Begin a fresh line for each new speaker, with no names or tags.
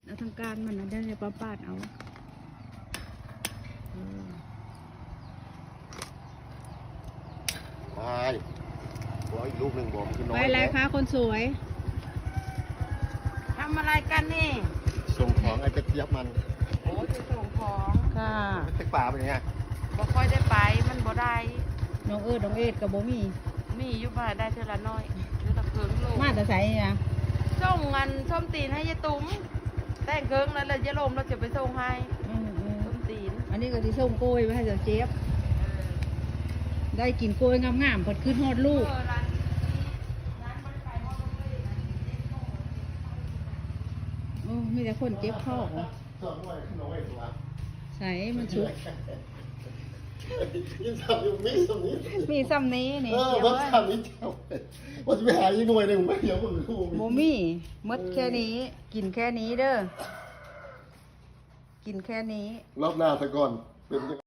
เอาทางการมันนะเดี๋ยวจะปาดเอา
ไปขออีกลูกหนึ่งบอกคือน้อย
ไปอะไรคะคนสวย
ทำอะไรกันนี่
ส่งของไอ้กระเจี๊ยบมัน
โอ้จะส่งของ
ค่ะ
ตึกป่าเป็นไง
บ่ค่อยได้ไปมันบ่ได้
น้องน้องเอ็ดกับโบมี่
มีอยู่บ้านได้เท่าละน้อยเท่าละเคิงโล
มาแต่ใส่เนี่ย
ส่งเงินส้มตีนให้ยายตุ้มแต่งเคิงแล้วเลยยายลมเราจะไปส่งให้ส้มตีน
อันนี้ก็ที่ส่งโกยไว้ให้เจ้าเจี๊ยบได้กินโกยงามๆพอดขึ้นฮอดลูก
ร้านบริการว่าต้องเลยนะ
โอ้มีแต่คนเจ็บข้อ
ส่งไว้ขึ้นน้อยตัว
ใส่มันชุก
ยังทำอยู่ไม่ตรงนี้
มีซ้ำนี้นี่
วัดทำนี้เจ้าว่าจะไปหาอีกหน่วยหนึ่งไม่เดี๋ยวผมรู้
โบมี่มดแค่นี้ กินแค่นี้เด้อกินแค่นี้
รอบหน้าซะก่อนเป็น